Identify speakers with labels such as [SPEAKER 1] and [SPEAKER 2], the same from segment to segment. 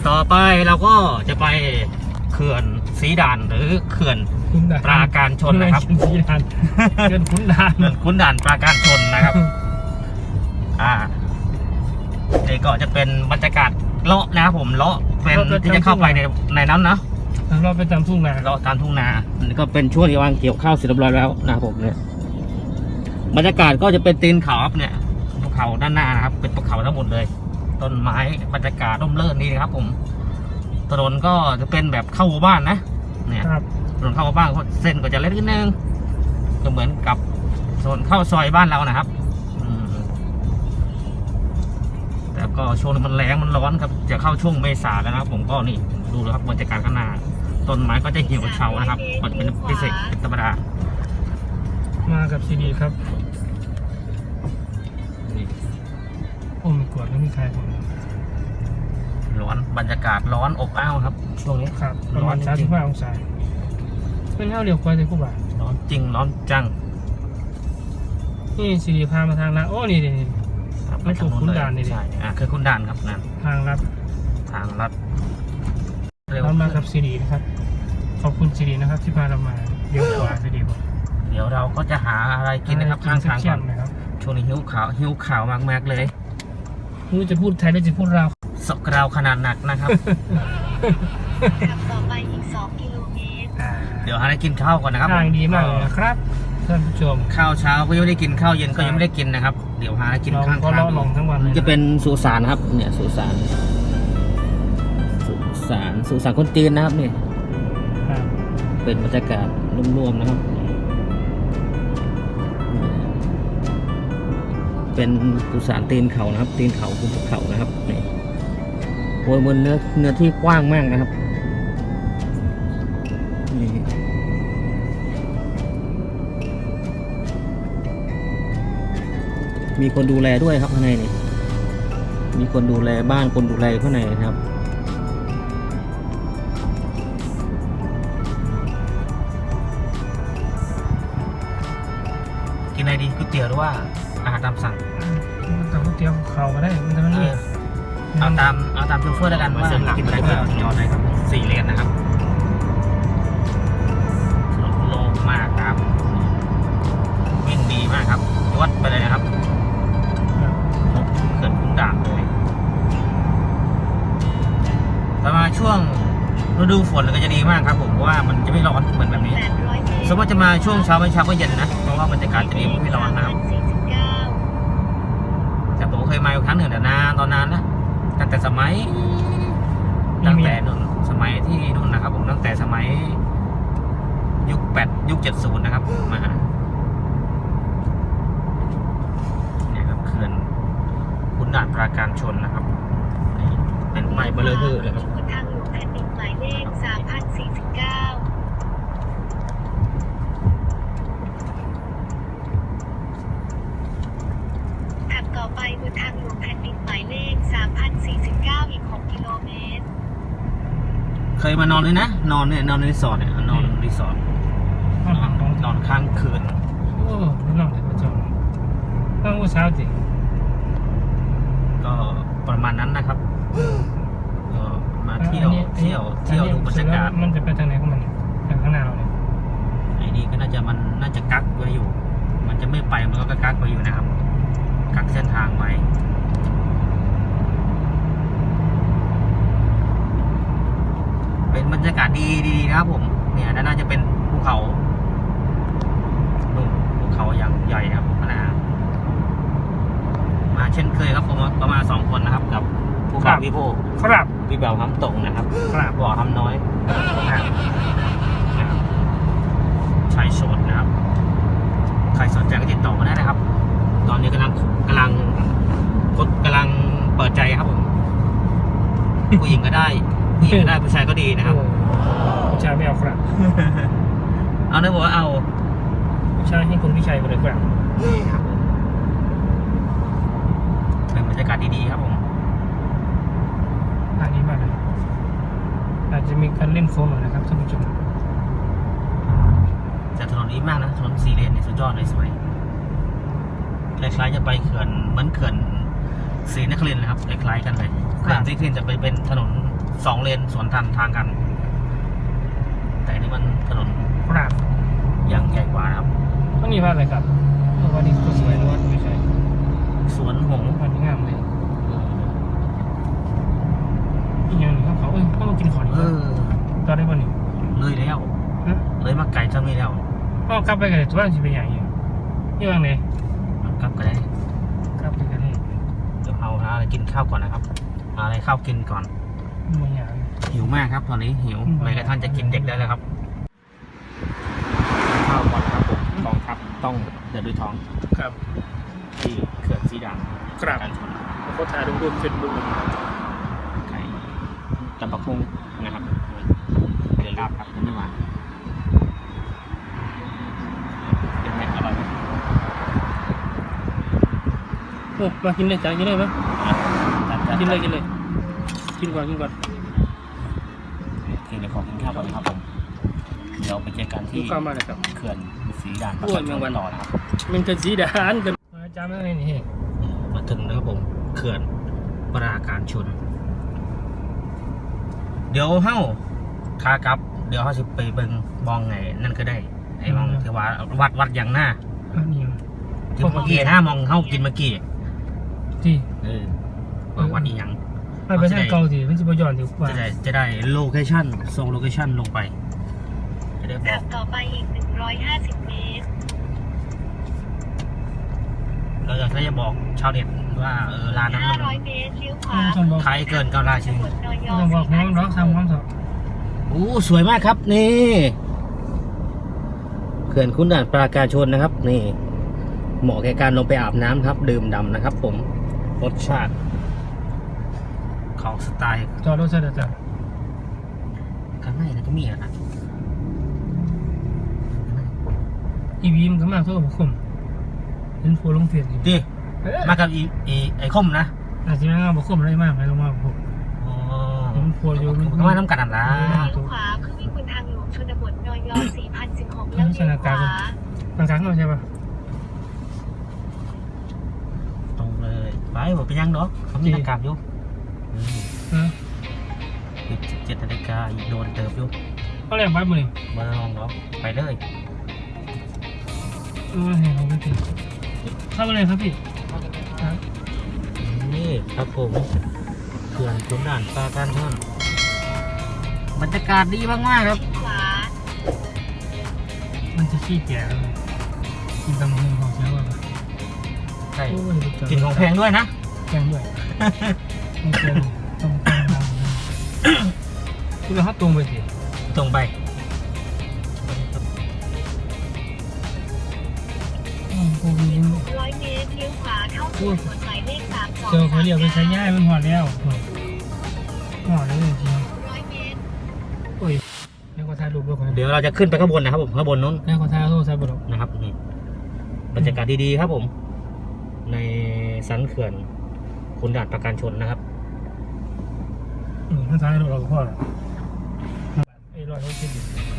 [SPEAKER 1] ต่อไปเราก็จะไปเขื่อนศรีด่านหรือเขื่อนปราการชนนะครับ
[SPEAKER 2] ศรีด่านเขื่อนขุนด่าน
[SPEAKER 1] เขื่อนขุนด่านปราการชนนะครับนี่ก็จะเป็นบรรยากาศเลาะนะครับผมเลาะเป็นที่จะเข้าไปในนั้นนะ
[SPEAKER 2] เราไปตามทุ่งนา
[SPEAKER 1] เลาะตามทุ่งนานี่ก็เป็นช่วงที่วางเกี่ยวข้าวเสร็จเรียบร้อยแล้วนะครับผมเนี่ยบรรยากาศก็จะเป็นตีนเขาครับเนี่ยภูเขาด้านหน้านะครับเป็นภูเขาทั้งหมดเลยต้นไม้บรรยากาศร่มรื่นดีนะครับผมถนนก็จะเป็นแบบเข้าหมู่บ้านนะเนี่ยถนนเข้าหมู่บ้านเส้นก็จะเล็กนิดนึงก็เหมือนกับถนนเข้าซอยบ้านเรานะครับแต่ก็ช่วงนี้มันแรงมันร้อนครับจะเข้าช่วงเมษาแล้วนะครับผมก็นี่ดูเลยครับบรรยากาศข้างหน้าต้นไม้ก็จะเหี่ยวเฉานะครับก็จะเป็นพิเศษเป็นธรรมดา
[SPEAKER 2] มากับซีดีครับโอ้มีกวดแล้วมีใครผม
[SPEAKER 1] ร้อนบรรยากาศร้อนอบอ้าวครับช่วงนี้
[SPEAKER 2] ครับประมาณ35 องศาเป็นเท่าเดียวกันเลยกูบ่า
[SPEAKER 1] ร้อนจริงร้อนจัง
[SPEAKER 2] นี่ซีดีพามาทางนั้นโอ้นี่ไม่ถูกขุนด่านนี่
[SPEAKER 1] ใช่คือขุนด่านครับนั่น
[SPEAKER 2] ทางลัดเรามากับซีดีนะครับขอบคุณซีดีนะครับที่พาเรามาเดี๋ยวขวาซีดีบอก
[SPEAKER 1] เดี๋ยวเราก็จะหาอะไรกินนะครับข้างทางก่อนช่วงนี้หิวข่าวมากๆเลย
[SPEAKER 2] ไม่รู้จะพูดไทยหรือจะพูดเรา
[SPEAKER 1] สกราวขนาดหนักนะครับ
[SPEAKER 3] ขับต่อไปอีก2 กิโลเมตร
[SPEAKER 1] เดี๋ยวหาอะไรกินข้าวก่อนนะครับ
[SPEAKER 2] ทางดีมากเลยนะครับท่านผู้ชม
[SPEAKER 1] ข้าวเช้าก็ยังไม่ได้กินข้าวเย็นก็ยังไม่ได้กินนะครับเดี๋ยวหาอะไรกินข้างทางจะเป็นสุสานนะครับเนี่ยสุสานคนจีนนะครับนี่เป็นบรรยากาศรวมๆนะครับเป็นสุสานตีนเขานะครับตีนเขาภูเขานะครับนี่โอ้ยมันเนื้อที่กว้างมากนะครับนี่มีคนดูแลด้วยครับข้างในนี่มีคนดูแลบ้านคนดูแลข้างในนะครับกินอะไรดีก๋วยเตี๋ยวหรือว่าอาหารตามสั่ง
[SPEAKER 2] แต่ก๋วยเตี๋ยวเขาก็ได้มันจะไม่นี่
[SPEAKER 1] เอาตามโชเฟอร์แล้วกันว่ากินอะไรก็จอดเลยครับ4 เลนนะครับโล่งมากครับวิ่งดีมากครับวัดไปเลยนะครับเกิดขุนด่านเลยแต่มาช่วงฤดูฝนก็จะดีมากครับผมเพราะว่ามันจะไม่ร้อนเหมือนแบบนี้สมมติจะมาช่วงเช้าไม่เช้าก็เย็นนะเพราะว่าบรรยากาศจะดีไม่ร้อนนะครับแต่ผมเคยมาอยู่ครั้งหนึ่งแต่นานตอนนั้นนะตั้งแต่นู่นสมัยที่นู่นนะครับผมตั้งแต่สมัยยุค70นะครับมาเนี่ยครับเขื่อนขุนด่านปราการชนนะครับเป็นไม้เบลอเลยครับ
[SPEAKER 3] ทางหลวงแผ่นดินหมายเลข3049ขับต่อไปบนทางหลวงแผ่นดินหมายเลข3049อีก6 กิโลเมตร
[SPEAKER 1] เคยมานอนเลยนะนอนในรีสอร์ทเนี่ยนอนรีสอร์ทนอนค้างคืน
[SPEAKER 2] โอ้นอนเลยพระเจ้าตั้งเช้าจริง
[SPEAKER 1] ก็ประมาณนั้นนะครับมาเที่ยวดูบรรยากาศ
[SPEAKER 2] มันจะไปทางไหนของมันทางข้างหน้าเราเนี่ย
[SPEAKER 1] ไอ้นี่ก็น่าจะกักไว้อยู่มันจะไม่ไปมันก็กักไว้อยู่นะครับกักเส้นทางไว้เป็นบรรยากาศดีนะครับผมเนี่ยน่าจะเป็นภูเขาอย่างใหญ่ครับนะมาเช่นเคยครับผมก็มา2 คนนะครับกับภูเขาพี่โพ
[SPEAKER 2] ครับ
[SPEAKER 1] พี่เบาห้ำตรงนะครับบ่อห้ำน้อยชายโสดนะครับใครสนใจก็ติดต่อมาได้นะครับตอนนี้กำลังเปิดใจครับผมผู้หญิงก็ได้ผู้ชายก็ดีนะครับ
[SPEAKER 2] ผู้ชายไม่เอาครับ
[SPEAKER 1] เอาเนื้อบอกว่าเอา
[SPEAKER 2] ผู้ชายให้คุณพี่ชัยไปเลยครับ
[SPEAKER 1] นี่ครับเป็นบรรยากาศดีๆครับผม
[SPEAKER 2] อันนี้มากเลยอาจจะมีการเล่นโฟมหน่อยนะครับท่านผู้ชม
[SPEAKER 1] แต่ถนนนี้มากนะถนน4 เลนเนี่ยสุดยอดเลยสวยคล้ายๆจะไปเขื่อนเหมือนเขื่อนศรีนครินทร์นะครับคล้ายๆกันเลยเขื่อนศรีนครินทร์จะไปเป็นถนน 2 เลนสวนทางกัน แต่อันนี่มันถนน
[SPEAKER 2] ครับ
[SPEAKER 1] ยังใหญ่กว่านะครับ
[SPEAKER 2] ก็นี่ว่าอะไรครับวันนี้ก็สวยนะว่าไม่ใช่
[SPEAKER 1] สวนหงส์
[SPEAKER 2] วันนี้งามเลยอีกอย่างหนึ่งเขาเขามากินของนี่
[SPEAKER 1] เออ
[SPEAKER 2] ตอนได้ป่ะนี่
[SPEAKER 1] เลยแล้ว
[SPEAKER 2] ฮะ
[SPEAKER 1] เลยมาไก่จะไม่แล้ว
[SPEAKER 2] ก็กลับไปกันเลยตัวนั้นจะเป็นอย่างนี้นี่ว่าไง
[SPEAKER 1] กลับกันได้
[SPEAKER 2] กลับไปกันเลย
[SPEAKER 1] เดี๋ยวเอาหาอะไรกินข้าวก่อนนะครับหาอะไรข้าวกินก่อน
[SPEAKER 2] บางอย่าง
[SPEAKER 1] หิวมากครับตอนนี้หิวแม้กระทั่งจะกินเด็กได้แล้วครับข้าวก่อนครับผมกองทัพต้องเดินด้วยท้อง
[SPEAKER 2] ครับ
[SPEAKER 1] ที่เขื่อนสีดำ
[SPEAKER 2] ครับ
[SPEAKER 1] การชน
[SPEAKER 2] เขาถ่ายรูปเฟซบุ๊ก
[SPEAKER 1] ไก่ตำบักหุ่งนะครับเดือดราบครับนี่มาเป็นไงอร่อยไหม
[SPEAKER 2] โอ้มากินเลยจ้ากินเลยไหม
[SPEAKER 1] จัด
[SPEAKER 2] กินเลยกินเลยกินก่อนกินก่อน
[SPEAKER 1] เดี๋ยวขอกินข้าวก่อนนะครับผมเดี๋ยวไปเจอกัน
[SPEAKER 2] ลู
[SPEAKER 1] ที่
[SPEAKER 2] กค้ามาเลยครับ
[SPEAKER 1] เขื่อนสีดาน
[SPEAKER 2] โอ้ยแมงวัน
[SPEAKER 1] ต่อนะครับ
[SPEAKER 2] มันจะสีดานกันมาจ้าไม่ได้นี่
[SPEAKER 1] มาถึงแล้วครับผมเขื่อนปราการชน เดี๋ยวเฮ้าขากลับ เดี๋ยวเขาจะไปเบิ่งบองไงนั่นก็ได้ไอ้มองที่ว่าวัดอย่างหน้า
[SPEAKER 2] อันนี้
[SPEAKER 1] ที่เมื่อกี้หน้ามองเฮ้ากินเมื่อกี้
[SPEAKER 2] ที่
[SPEAKER 1] วัดอีหยัง
[SPEAKER 2] ไปทางเก่าสิมันจะไปย้อนดีกว่า
[SPEAKER 1] จะได้โลเคชั่นส่งโลเคชั่นลงไป จะได้บอ
[SPEAKER 3] ขั
[SPEAKER 1] ก
[SPEAKER 3] บต่อไปอีก 150 เมตร
[SPEAKER 1] เราจะได้บอกชาวเน็ตว่าร้านนั้นมัน
[SPEAKER 3] 500 เมตรเลี้ยวขวา
[SPEAKER 2] ต้องบอก
[SPEAKER 1] ขายเกินเการาชินี
[SPEAKER 2] ต้องบอกน้องร้องทำความสอบ
[SPEAKER 1] โอ้สวยมากครับนี่เขื่อนขุนด่านปราการชนนะครับ นี่ เหมาะแก่การลงไปอาบน้ำครับ ดื่มด่ำนะครับ ผมรสชาติของสไตล์
[SPEAKER 2] จอดรถเสร็จแล้วจ้ะ
[SPEAKER 1] ข้างในนะก็มีอะนะ
[SPEAKER 2] อีวีมันก็มาเท่ากับผมเห็นโฟลงเฟียดอยู่
[SPEAKER 1] ดิมากับไอ้คมนะ
[SPEAKER 2] อาจจะไม่มาบอกผมอะไรมากไหมลงมาบอกผม
[SPEAKER 1] อ๋อ
[SPEAKER 2] เห็นโฟอยู่
[SPEAKER 1] ก็มาน้ำกันนั่นละ
[SPEAKER 3] เลี้ยวขวาเพื่อวิ่งบนทางหลวงชนบทนย4016แล้วเลี้ยวขวา
[SPEAKER 2] บางครั้งก็ใช่ปะ
[SPEAKER 1] ตรงเลยไปบอกไปยังเนาะเขามีหน้ากากอยู่ 17 นาฬิกาอีกโดนเติบอยู่
[SPEAKER 2] เขาเรียกบ้านมือนี่
[SPEAKER 1] มาลองเนาะไปเลย
[SPEAKER 2] เห็นเขาไม่ผิดเข้ามาเลยครับพี่
[SPEAKER 1] นี่ครับผมเขื่อนขุนด่านปราการชนบรรยากาศดีมากๆครับ
[SPEAKER 3] ขวา
[SPEAKER 2] มันจะขี้แก่แล้วกินตำลึงของเช้าป่ะ
[SPEAKER 1] ใช่กินของแพงด้วยนะ
[SPEAKER 2] แพงด้วยไม่เกินต้องแพงมากคุณเราฮัตตรงไปสิ
[SPEAKER 1] ตรงไป
[SPEAKER 2] โอ้โห
[SPEAKER 3] 100 เมตรเลี้ยวขวาเข้าสู่ถนนหมายเลข32
[SPEAKER 2] เจอเขาเรียกไปใช้ย่ายมันหอดแล้วหอดแล้วจริง
[SPEAKER 3] 100 เมตร
[SPEAKER 2] โอ้ยแล้วก็ถ่ายรูปด้วยคน
[SPEAKER 1] เดี๋ยวเราจะขึ้นไปข้างบนนะครับผมข้างบนนู้น
[SPEAKER 2] แล้วก็ถ่ายรูปใส่บล็อก
[SPEAKER 1] นะครับนี่บรรยากาศดีๆครับผม ในสันเขื่อนขุนด่านปราการชนนะครับ
[SPEAKER 2] ถ้าถ่ายรูปเราก็พอแล้วไอ้รอยเขาคิดอยู่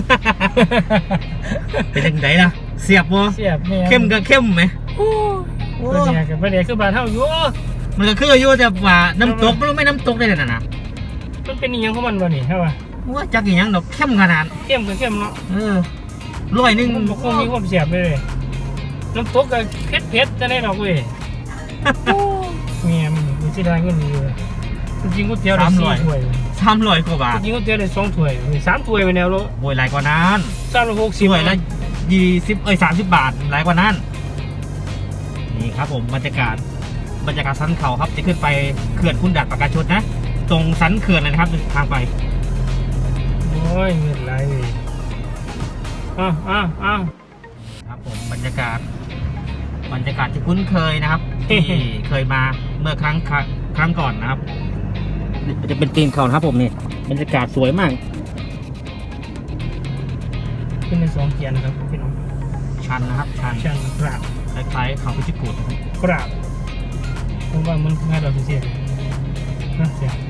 [SPEAKER 1] เป็นยังไงล่ะเสียบวะ
[SPEAKER 2] เสียบแม่
[SPEAKER 1] เข้มก็เข้มไหมโอ้
[SPEAKER 2] เป็นเนี่ยกับเป็นเนี่ยคือบาเท่าอยู่
[SPEAKER 1] มันก็คืออยู่แต่ว่าน้ำตกมันไม่น้ำตกได้เลยนะ
[SPEAKER 2] มันเป็นอย่างของมันบ่นี่ใช่ป่ะ
[SPEAKER 1] ว่าจักอย่างดอกเข้มขนาด
[SPEAKER 2] เข้มกับเข้มเนาะ
[SPEAKER 1] ร้อยหนึ่ง
[SPEAKER 2] มันคงมีความเสียบเลยน้ำตกกับเผ็ดจะได้ดอกเว้ยเมียมันจะได้เงินดีเลยจริงก๋วยเตี๋ยวได้4 ถ้วย
[SPEAKER 1] 300 กว่าบาท
[SPEAKER 2] จริงก๋วยเตี๋ยวได้2 ถ้วย3 ถ้วยไปแนวโล
[SPEAKER 1] โวยหลายกว่านั้น
[SPEAKER 2] 360
[SPEAKER 1] ถ้วยละ30 บาทหลายกว่านั้นนี่ครับผมบรรยากาศสันเขาครับจะขึ้นไปเขื่อนขุนด่านปราการชนนะ ตรงสันเขื่อนเลยนะครับทางไป
[SPEAKER 2] โอ้ยเงินไรอ้าว
[SPEAKER 1] ครับผมบรรยากาศที่คุ้นเคยนะครับ ที่เคยมาเมื่อครั้งก่อนนะครับนี่จะเป็นตีนเขานะครับผมนี่บรรยากาศสวยมาก
[SPEAKER 2] ขึ้นใน2 เกียร์นะครับพี่น้อง
[SPEAKER 1] ชันนะครับชัน
[SPEAKER 2] ชันกราบ
[SPEAKER 1] คล้ายๆเขาพิจิตรกูดนะครับ
[SPEAKER 2] กราบผมว่ามันง่ายดอกเสียนะเสีย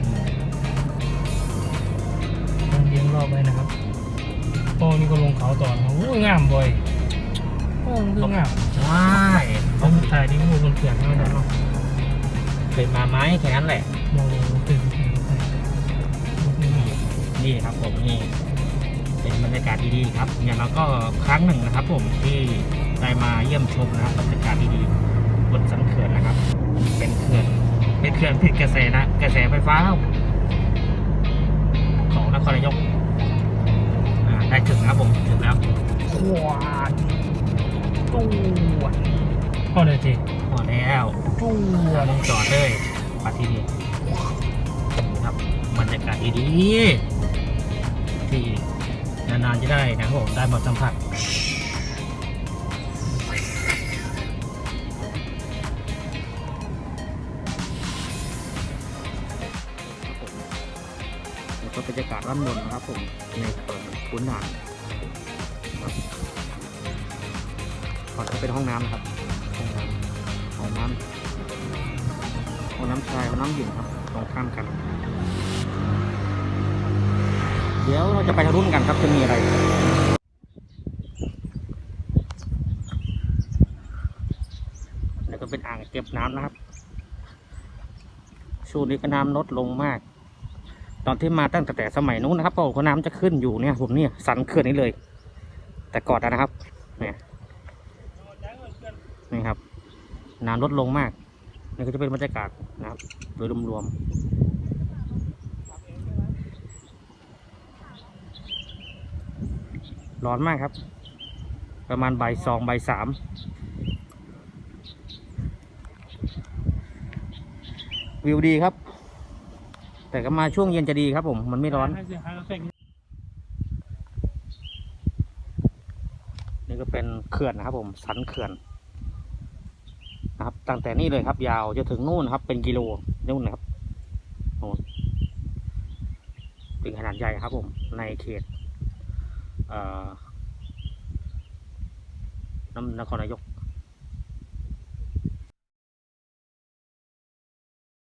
[SPEAKER 2] ต้องเลี้ยงรอบไว้นะครับโอ้นี่ก็ลงเขาต่อนะครับโอ้ยงามบ่อยโอ้คืองาม
[SPEAKER 1] ว้าย
[SPEAKER 2] เขาถ่ายดีกว่าบนเขื่อนเท่านั้นเนาะ
[SPEAKER 1] เคยมาไหมแค่นั้นแหละ
[SPEAKER 2] มองลงตื่น
[SPEAKER 1] นี่ครับผมนี่เป็นบรรยากาศดีๆครับอย่างเราก็ครั้งหนึ่งนะครับ ผมที่ได้มาเยี่ยมชมนะครับบรรยากาศดีๆบนสันเขื่อนนะครับ เป็นเขื่อนผลิตกระแสไฟฟ้าของนครนายกได้ถึงนะครับผมถึงแล้ว
[SPEAKER 2] ขวานตู้พอเลยที
[SPEAKER 1] พอแล้ว
[SPEAKER 2] ตู้
[SPEAKER 1] ต้องจอดเลยมาที่นี่ครับบรรยากาศดีๆที่นานๆจะได้นะครับผมได้มาสัมผัสแล้วก็บรรยากาศด้านบนนะครับผมในเขื่อนขุนด่านครับก่อนจะเป็นห้องน้ำนะครับห้องน้ำชายห้องน้ำหญิงครับตรงข้ามกัน เดี๋ยวเราจะไปทะลุกันครับจะมีอะไรแล้วก็เป็นอ่างเก็บน้ำนะครับช่วงนี้ก็น้ำลดลงมาก ตอนที่มาตั้งแต่สมัยนู้นนะครับเพราะน้ำจะขึ้นอยู่เนี่ยผมเนี่ยสันเขื่อนนี้เลย แต่ก่อนนะครับเนี่ยนี่ครับน้ำลดลงมากนี่ก็จะเป็นบรรยากาศนะครับโดยรวมๆร้อนมากครับ ประมาณบ่าย 2 บ่าย 3วิวดีครับ แต่ก็มาช่วงเย็นจะดีครับผมมันไม่ร้อน นี่ก็เป็นเขื่อนนะครับผมสันเขื่อนนะครับตั้งแต่นี่เลยครับยาวจะถึงนู่นครับเป็นกิโลนู่นนะครับโน่นเป็นขนาดใหญ่ครับผมในเขตนครนายก